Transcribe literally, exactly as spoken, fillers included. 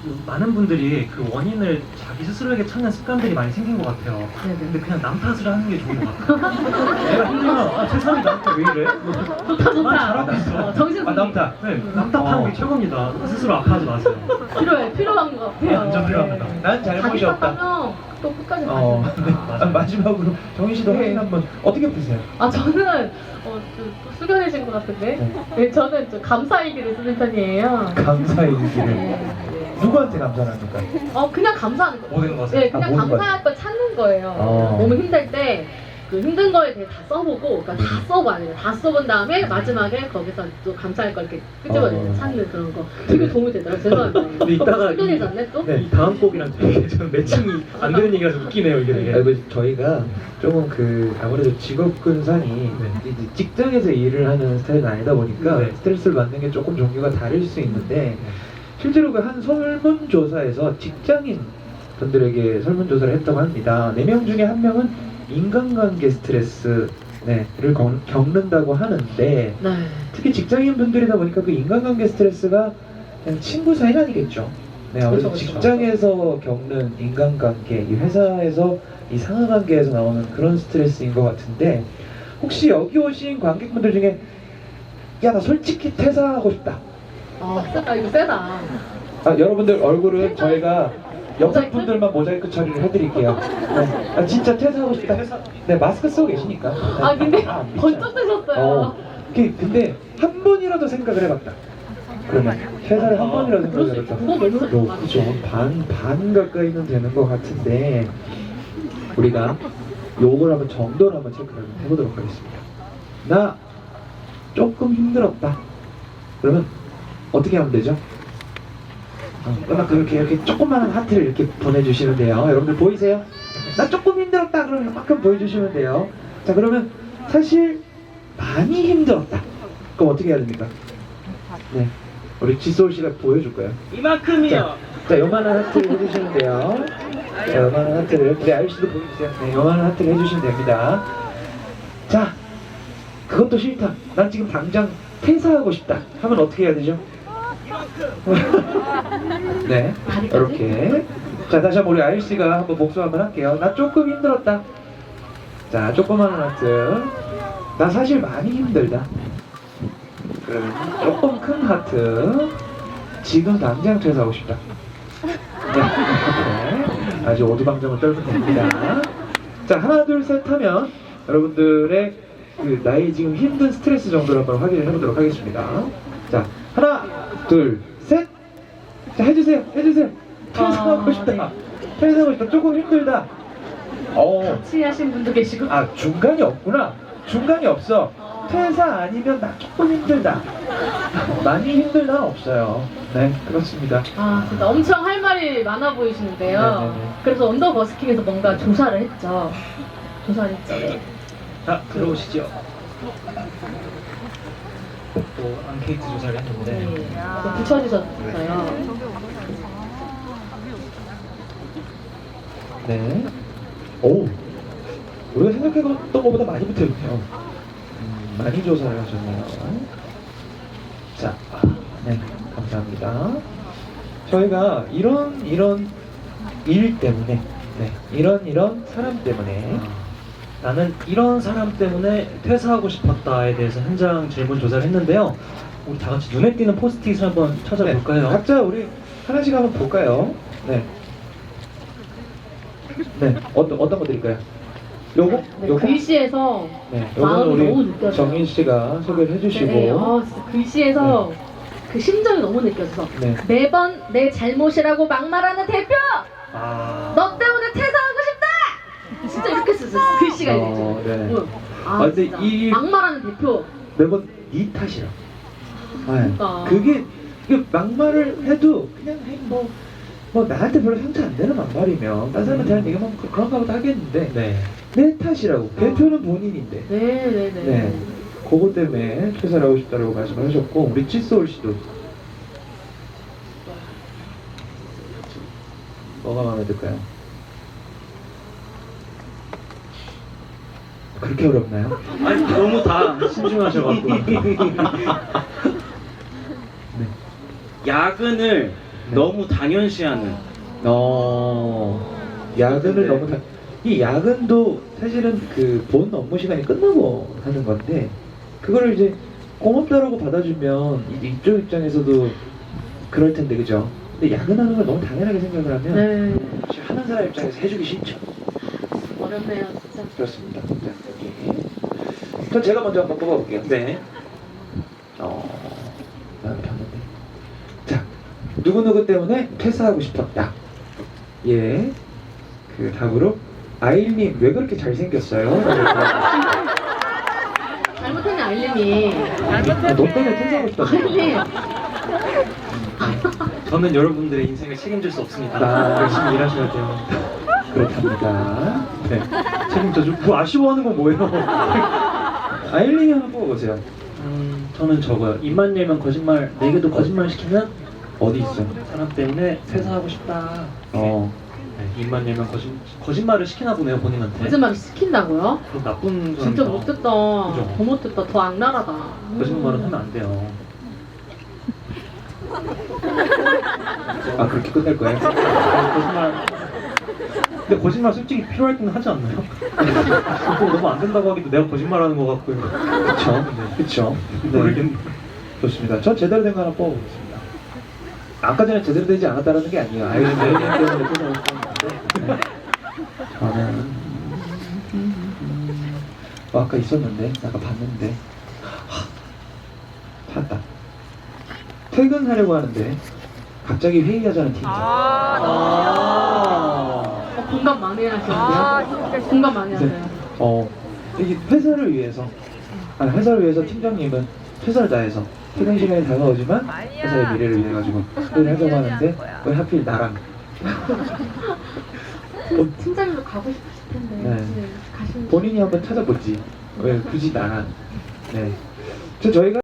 그 많은 분들이 그 원인을 자기 스스로에게 찾는 습관들이 많이 생긴 것 같아요. 네네. 근데 그냥 남 탓을 하는 게 좋은 것 같아요. 내가 힘들면 아, 세상이 나한테 왜 이래? 좋다 좋다. 난 잘하고 있어. 어, 정신 아, 남 탓. 네, 남 탓하는 게 최고입니다. 스스로 아파하지 마세요. 필요해 필요한 것 같아요. 완전 필요합니다. 네. 난 잘못이 자기 없다. 탓하면 또 끝까지 어, 가지. 네. 맞아요. 아, 마지막으로 정인 씨도 네. 확인 한번 어떻게 푸세요? 아 저는 어, 좀 숙연해진 것 같은데. 네. 네, 저는 좀 감사일기를 쓰는 편이에요. 감사의 일기를 네, 네. 누구한테 감사를 합니까? 어 그냥 감사하는 거. 모든 것을. 네, 그냥 아, 모든 감사할 걸 찾는 거예요. 어. 너무 힘들 때. 그 힘든 거에 대해 다 써보고, 그러니까 다 써봐야 돼요. 다 써본 다음에 마지막에 거기서 또 감사할 걸 이렇게 끄집어내는 어. 찾는 그런 거. 되게 도움이 되더라고요. 죄송합니다. 근데 이따가 이- 숙연해졌네 또? 이 다음 곡이랑 되게 좀 매칭이 안 되는 얘기라서 웃기네요, 이게 되게. 아이고, 저희가 조금 그 아무래도 직업군산이 네. 이제 직장에서 일을 하는 스타일은 아니다 보니까 네. 스트레스를 받는 게 조금 종류가 다를 수 있는데 실제로 그 한 설문조사에서 직장인 분들에게 설문조사를 했다고 합니다. 네 명 중에 한 명은 인간관계 스트레스 네, 를 건- 겪는다고 하는데 네. 특히 직장인 분들이다 보니까 그 인간관계 스트레스가 그냥 친구 사이는 아니겠죠. 네, 아무래도 그렇죠, 그렇죠. 직장에서 겪는 인간관계, 이 회사에서 이 상하관계에서 나오는 그런 스트레스인 것 같은데 혹시 여기 오신 관객분들 중에 야, 나 솔직히 퇴사하고 싶다. 아, 세다. 이거 세다. 아, 여러분들 얼굴은 저희가 옆에 분들만 모자이크 처리를 해드릴게요. 네. 아, 진짜 퇴사하고 싶다. 네, 마스크 쓰고 계시니까. 네. 아, 근데 아, 미쳐. 번쩍 뜨셨어요. 어, 그- 근데 한 번이라도 생각을 해봤다. 그러면 퇴사를 한 번이라도 그럴 수 생각을 있죠. 해봤다. 그거 너무 요, 맞죠. 그죠. 반, 반 가까이는 되는 것 같은데 우리가 요걸 한번 정도를 한번 체크를 한번 해보도록 하겠습니다. 나 조금 힘들었다. 그러면 어떻게 하면 되죠? 어, 음악 그렇게 이렇게 조그마한 하트를 이렇게 보내주시면 돼요. 여러분들 보이세요? 나 조금 힘들었다. 그러면 이만큼 보여주시면 돼요. 자, 그러면 사실 많이 힘들었다. 그럼 어떻게 해야 됩니까? 네, 우리 지소울 씨가 보여줄 거예요. 이만큼이요. 자, 자, 요만한 하트를 해주시면 돼요. 자, 요만한 하트를. 우리 아유씨도 보여주세요. 네, 요만한 하트를 해주시면 됩니다. 자, 그것도 싫다. 난 지금 당장 퇴사하고 싶다. 하면 어떻게 해야 되죠? 네, 이렇게. 자, 다시 한번 우리 아유씨가 한번 복수 한번 할게요. 나 조금 힘들었다. 자, 조그마한 하트. 나 사실 많이 힘들다. 그러면 조금 큰 하트. 지금 당장 퇴사하고 싶다. 네, 이렇게 아주 오두방정을 떨면 됩니다. 자, 하나 둘 셋 하면 여러분들의 그 나의 지금 힘든 스트레스 정도를 한번 확인을 해보도록 하겠습니다. 자, 하나 둘 셋. 자, 해주세요, 해주세요. 퇴사하고 아, 싶다. 네. 퇴사하고 싶다. 조금 힘들다. 어, 같이 하신 분도 계시고. 아, 중간이 없구나. 중간이 없어. 퇴사 아니면 나 조금 힘들다. 많이 힘들다 없어요. 네, 그렇습니다. 아, 진짜 엄청 할 말이 많아 보이시는데요. 네네네. 그래서 언더버스킹에서 뭔가 조사를 했죠. 조사를 했죠. 네. 자, 들어오시죠. 또 앙케이트 조사를 했는데 네. 또 붙여주셨어요. 네. 오, 우리가 생각했던 것보다 많이 붙어있네요. 음, 많이 조사를 하셨네요. 자, 아, 네, 감사합니다. 저희가 이런 이런 일 때문에, 네, 이런 이런 사람 때문에, 나는 이런 사람 때문에 퇴사하고 싶었다에 대해서 현장 질문 조사를 했는데요. 우리 다 같이 눈에 띄는 포스트잇을 한번 찾아볼까요? 네, 각자 우리 하나씩 한번 볼까요? 네. 네, 어떤 어떤 거 드릴까요? 요거? 네, 요거? 글씨에서 네, 마음이 요거는 너무 우리 느껴져요. 정인 씨가 소개를 해주시고. 네, 아, 진짜 글씨에서 그 심정이 너무 느껴져서 네. 매번 내 잘못이라고 막말하는 대표! 아, 너 때문에 퇴사하고 싶다! 진짜 이렇게 쓰셨어요. 글씨가 이제. 어, 네. 응. 아, 아, 근데 진짜. 이- 막말하는 대표. 매번 네 탓이라. 네. 그러니까. 그게 이게 막말을 해도 그냥 아이, 뭐, 뭐 나한테 별로 상처 안 되는 막말이면 딴 사람한테 하는 얘기만 그- 그런가 보다 하겠는데 네. 내 탓이라고. 대표는 본인인데. 네네네. 네. 그거 때문에 퇴사를 하고 싶다고 말씀을 하셨고 우리 찌소울 씨도 뭐가 마음에 들까요? 그렇게 어렵나요? 아니 너무 다 신중하셔가지고 네. 야근을 너무 당연시하는. 어, 야근을 네. 너무 다, 이 야근도 사실은 그 본 업무 시간이 끝나고 하는 건데, 그거를 이제 고맙다라고 받아주면 이제 이쪽 입장에서도 그럴 텐데, 그죠? 근데 야근하는 걸 너무 당연하게 생각을 하면 네. 사실 하는 사람 입장에서 해주기 싫죠. 어렵네요, 진짜. 그렇습니다. 자, 여기. 그럼 제가 먼저 한번 뽑아볼게요. 네. 어, 나는 봤는데. 자, 누구누구 때문에 퇴사하고 싶었다. 예. 그 답으로, 아일님, 왜 그렇게 잘생겼어요? 잘못했네, 아일님이. 아, 너 때문에 퇴사하고 싶다고. 아일님. 저는 여러분들의 인생을 책임질 수 없습니다. 아. 열심히 일하셔야 돼요. 그렇답니다. 네. 책임져 주. 뭐 아쉬워하는 건 뭐예요? 아일님이 한번 뽑아보세요. 음, 저는 저거요. 입만 열면 거짓말, 내게도 거짓말 시키는 어디 있어? 사람 때문에 퇴사하고 싶다. 어. 네, 입만 열면 거짓, 거짓말을 시키나 보네요, 본인한테. 거짓말 시킨다고요? 그럼 나쁜 사람이다. 진짜 못됐다. 그죠? 더 못됐다. 더 악랄하다. 거짓말은 하면 안 돼요. 아, 그렇게 끝낼 거예요? 거짓말. 근데 거짓말 솔직히 필요할 때는 하지 않나요? 그거 너무 안 된다고 하기도 내가 거짓말하는 것 같고요. 그쵸? 그쵸? 네. 모르겠네. 좋습니다. 전 제대로 된 거 하나 뽑아보겠습니다. 아까 전에 제대로 되지 않았다는 게 아니에요. 아일님 때문에 퇴사하고 싶었는데. 저는 어, 아까 있었는데 아까 봤는데 하, 찾았다. 퇴근하려고 하는데 갑자기 회의하자는 팀장. 어, 공감 많이 하시는데요? 공감 많이 하세요. 어, 이게 회사를 위해서, 아니 회사를 위해서 팀장님은 최선을 다해서 퇴근 시간이 다가오지만 회사의 미래를 위해 가지고 일을 하자고 하는데 왜 하필 나랑? 팀- 팀장님도 가고 싶으실 텐데. 네. 네, 가시면 본인이 한번 찾아보지. 왜 굳이 나랑? 네. 저 저희가